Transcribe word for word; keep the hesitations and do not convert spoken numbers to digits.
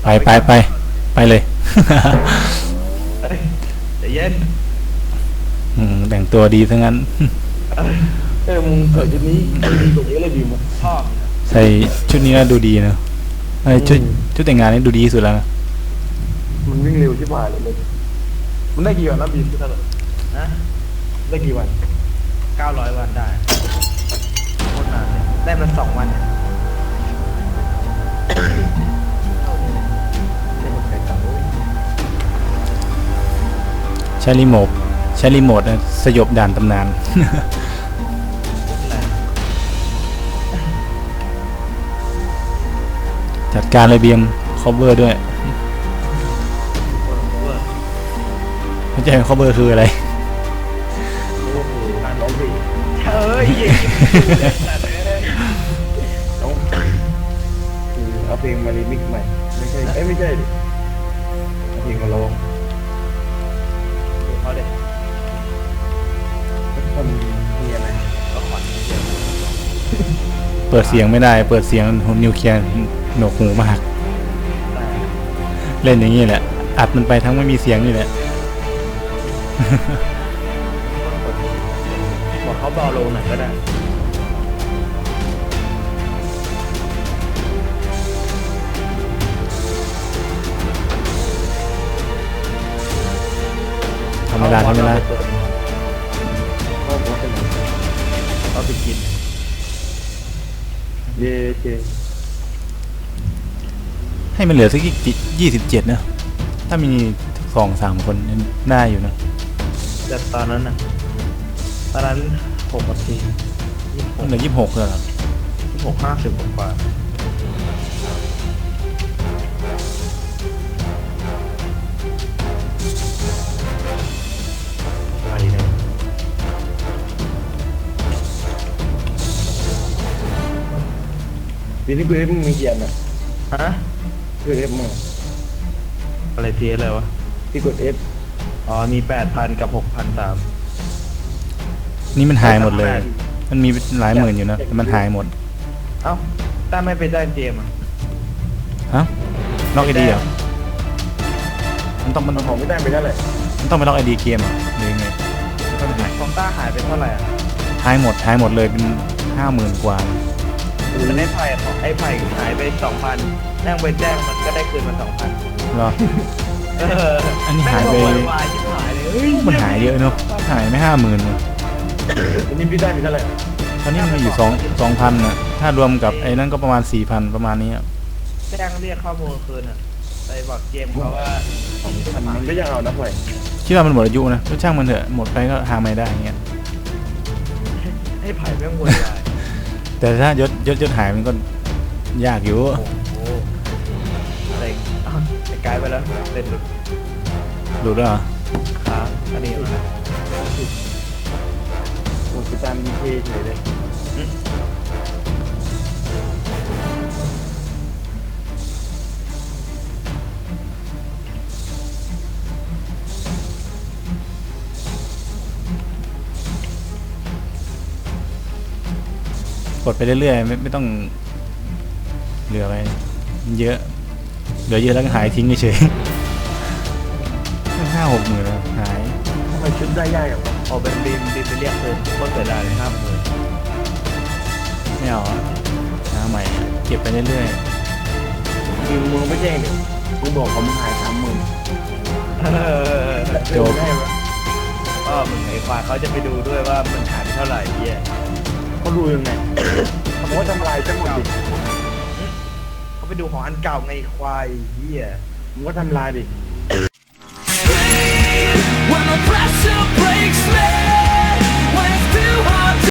ไปไปไปเลยใจเย็นแต่งตัวดีทั้งนั้นเออมึงใส่ชุดนี้ดีกว่าเยอะเลยบีมชอบใส่ชุดนี้แล้วดูดีนะไอ้ชุดชุดแต่งงานนี่ดูดีสุดแล้วนะมันวิ่งเร็วที่ผ่านเลยมันได้กี่วันนะบีมพี่ท่านนะได้กี่วันเก้าร้อยวันได้โคตรนานเลยได้มาสองวันเนี่ยใช้รีโมทใช้รีโมทนะสยบด่านตำนานจัดการเลยเบียม cover ด้วยไม่ใช่ cover คืออะไรการร้องเพลงเฮ้ยต้องคือเอาเพลงมารีมิกซ์ใหม่ไม่ใช่เอ้ยไม่ใช่ดิเอาเพลงมาร้องเขาเด็กคนมีอะไรก็ขอนิดเดียวเปิดเสียงไม่ได้เปิดเสียงนิวเคลียร์หนวกหูมากเล่นอย่างนี้แหละอัดมันไปทั้งไม่มีเสียงนี่แหละบอกเขาเบาลงหน่อยก็ได้ทำเวลาทำเวลาเขาไปกินเย่เจให้มันเหลือสักยี่สิบเจ็ดนะถ้ามีสองสามคนได้อยู่นะแต่ตอนนั้นนะตอนนั้นหกนาทีเหลือยี่สิบหกเลยครับยี่สิบหกห้าสิบกว่าไปเลยปีนี้กูเอฟมึงมีเกียร์นะฮะกูเอฟมึงอะไรเทียอะไรวะที่กดเอฟอ๋อมีแปดพันกับหกพันสามนี่มันหายหมดเลยมันมีหลายหมื่นอยู่นะแต่มันหายหมดเอ้าถ้าไม่ไปได้เกมอ่ะฮะล็อกไอดีเหรอมันต้องมันของไม่ได้ไปได้เลยมันต้องไปล็อกไอดีเกมอ่ะหรือไงของต้าหายไปเท่าไหร่อ่ะหายหมดหายหมดเลยเป็นห้าหมื่นกว่ามันได้ไผ่ของไอ้ไผ่หายไปสองพันนั่งไปแจ้งมันก็ได้คืนมาสองพันเหรออันนี้หายไปมันหายเยอะเนาะหายไม่ห้าหมื่นอันนี้พี่ได้ไปเท่าไหร่ตอนนี้มันมีอยู่สองสองพันนะถ้ารวมกับไอ้นั่นก็ประมาณสี่พันประมาณนี้แจ้งเรียกข้อมูลคืนอ่ะไปบอกเกมเขาว่ามันก็ยังเอานะเว้ยคิดว่ามันหมดอายุนะก็ช่างมันเถอะหมดไปก็หาไม่ได้เงี้ยให้ไผ่แม่งวนได้แต่ถ้ายศยศยศหายมันก็ยากอยู่โอ้เต็งไอ้กายไปแล้วเต็นหลุดหลุดแล้วเหรอครับอันนี้นะโอ้ยตามดีเคเฉยเลยกดไปเรื่อยๆไม่ไม่ต้องเหลือไปเยอะเหลือเยอะแล้วก็หายทิ้งเฉยๆห้าหกหมื่นแล้วหายทำไมชุดได้ยากอย่างพอเป็นบีมบีมไปเรียกเพิ่มก็เกิดได้เลยห้าหมื่นไม่เอาหาใหม่เก็บไปเรื่อยๆคือมึงไม่แจ้งเนี่ยมึงบอกเขามึงหายสามหมื่นจบได้ไหมก็มึงไอ้ควายเขาจะไปดูด้วยว่ามันหายเท่าไหร่เยี่ยเขาดูยังไงเขาบอกว่าทำลายจังหวะดิเขาไปดูของอันเก่าไงควายเหี้ยมึงก็ทำลายดิ When the pressure breaks me